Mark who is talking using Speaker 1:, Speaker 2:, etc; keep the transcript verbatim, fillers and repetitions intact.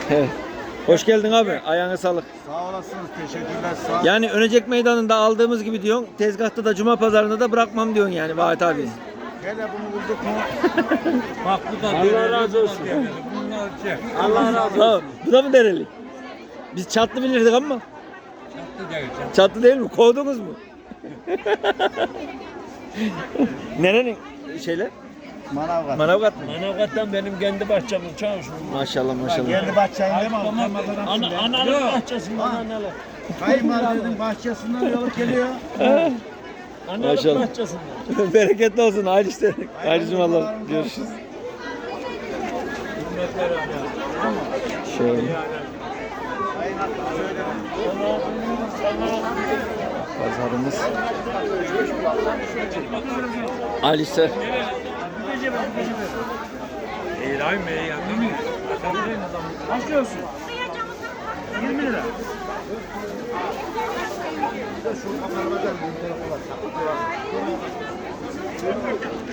Speaker 1: Evet. Hoş geldin abi. Ayağına sağlık.
Speaker 2: Sağ olasınız. Teşekkürler. Sağ
Speaker 1: Yani Önecek Meydanı'nda aldığımız gibi diyorsun. Tezgahta da Cuma pazarında da bırakmam diyorsun yani Vahit abi.
Speaker 2: Hele bunu bulduk mu?
Speaker 3: Bak bu da
Speaker 1: Allah razı olsun.
Speaker 3: Bunlar şey.
Speaker 2: Allah razı olsun.
Speaker 1: Tamam. Bu da mı dereli? Biz çatlı bilirdik ama.
Speaker 3: Çattı değil. Çattı.
Speaker 1: Çatlı değil mi? Kovdunuz mu? Nerenin şeyler?
Speaker 2: Manavgat.
Speaker 1: Manavgat mı?
Speaker 3: Manavgat'tan benim kendi bahçemin çavuşum.
Speaker 1: Maşallah maşallah.
Speaker 2: Kendi bahçeinde mi?
Speaker 3: Ana, analık bahçesinden
Speaker 2: Ha.
Speaker 3: analık.
Speaker 2: Kayınvalidenin bahçesinden yolu geliyor.
Speaker 3: Analık
Speaker 1: Maşallah.
Speaker 3: bahçesinden.
Speaker 1: Bereketli olsun. Hayırlı işler. Hayırlı cumalar. Görüşürüz.
Speaker 3: Hürmetler ana.
Speaker 1: Şöyle. Pazarımız. Hayırlı işler.
Speaker 3: İyi lan be ya.
Speaker 2: Başlıyorsun. yirmi lira. Şu kapanmadan bir tarafa bak.